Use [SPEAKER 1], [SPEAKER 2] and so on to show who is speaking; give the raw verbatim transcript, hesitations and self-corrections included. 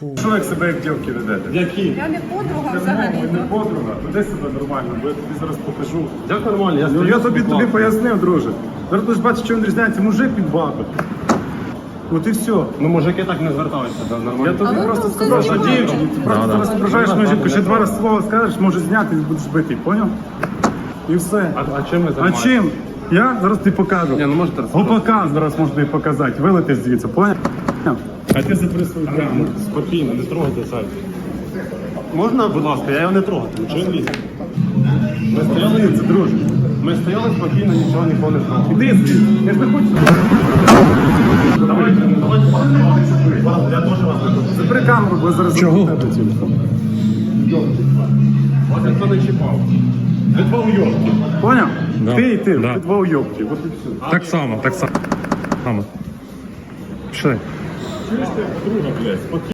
[SPEAKER 1] Що як себе як дівки ведете?
[SPEAKER 2] Які?
[SPEAKER 3] Я не подруга
[SPEAKER 1] Не
[SPEAKER 3] взагалі.
[SPEAKER 1] подруга, веди себе нормально, бо я тобі зараз покажу.
[SPEAKER 2] Як нормально? Я
[SPEAKER 1] Ну
[SPEAKER 2] стою
[SPEAKER 1] я тобі
[SPEAKER 2] собі
[SPEAKER 1] тобі
[SPEAKER 2] класно.
[SPEAKER 1] пояснив, друже. Зараз ти ж бачиш, що він різняється мужик від баби. От і все.
[SPEAKER 2] Ну мужики так не звертаються, да, нормально.
[SPEAKER 1] Я тобі
[SPEAKER 3] А ви
[SPEAKER 1] просто
[SPEAKER 3] просто
[SPEAKER 1] сказав, що
[SPEAKER 3] знімаєте.
[SPEAKER 1] дівчині, ти просто зараз ображаєш мою жінку, ще два рази слово скажеш, може зняти і будеш битий, поняв? І все.
[SPEAKER 2] А, а чим ви
[SPEAKER 1] А
[SPEAKER 2] займаєтесь?
[SPEAKER 1] чим? Я зараз тобі покажу.
[SPEAKER 2] Ні, ну можете розказати.
[SPEAKER 1] Гопака зараз можу тобі показати. Вилети звідси, поняв? А ти запри свою камеру.
[SPEAKER 2] Спокійно, не трогайте сайт. Можна, будь ласка, я його не трогатиму. Чого він лізе? Ми стояли,
[SPEAKER 1] Це, друже.
[SPEAKER 2] ми стояли спокійно, нічого нікого не трогали.
[SPEAKER 1] Іди звідси. Я ж не хочу.
[SPEAKER 2] Давайте, давайте, я дуже вас не хочу.
[SPEAKER 1] Забери камеру, бо я зараз
[SPEAKER 2] Чого?
[SPEAKER 1] заберу тебе телефон.
[SPEAKER 2] Вас ніхто не чіпав. Ви два уйобки.
[SPEAKER 1] Поняв?
[SPEAKER 4] Да.
[SPEAKER 1] Ти і ти,
[SPEAKER 4] Да.
[SPEAKER 1] ти два уйобки. От і все.
[SPEAKER 4] Так само, так само. Пішли.
[SPEAKER 2] Чуєш ти, друга, блядь, спокійно.